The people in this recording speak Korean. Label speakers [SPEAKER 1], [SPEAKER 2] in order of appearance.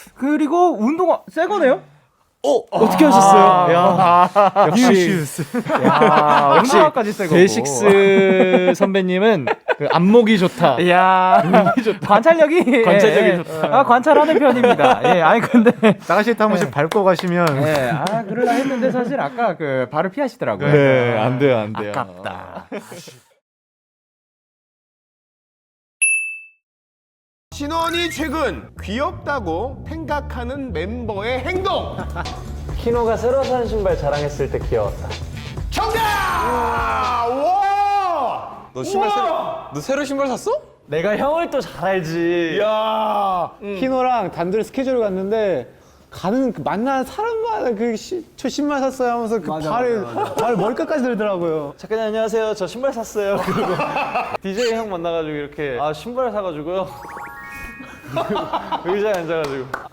[SPEAKER 1] 그리고 운동화 새 거네요?
[SPEAKER 2] 어떻게 하셨어요? 야, 역시 역시
[SPEAKER 1] 운동화까지 새 거고.
[SPEAKER 2] 데이식스 선배님은 그 안목이 좋다.
[SPEAKER 1] 이야, 관찰력이
[SPEAKER 2] 관찰력이 좋다.
[SPEAKER 1] 아, 관찰하는 편입니다. 예, 아니 근데
[SPEAKER 3] 나가실 때 한 번씩 밟고 가시면
[SPEAKER 1] 예, 아 그러려 했는데 사실 아까 그 발을 피하시더라고요.
[SPEAKER 2] 네, 안 돼요, 안 돼요.
[SPEAKER 1] 아깝다.
[SPEAKER 4] 신원이 최근 귀엽다고 생각하는 멤버의 행동.
[SPEAKER 5] 키노가 새로 산 신발 자랑했을 때 귀여웠다.
[SPEAKER 4] 정답! 와!
[SPEAKER 6] 너 새로 신발 샀어?
[SPEAKER 5] 내가 형을 또 잘 알지.
[SPEAKER 4] 야!
[SPEAKER 3] 키노랑 단둘이 스케줄을 갔는데 가는 그 만나는 사람마다 저 신발 샀어요 하면서 그 발을 머리끝까지 들더라고요.
[SPEAKER 5] 작가님 안녕하세요. 저 신발 샀어요. 그리고 DJ 형 만나가지고 이렇게 아 신발 사가지고요. 의자에 앉아가지고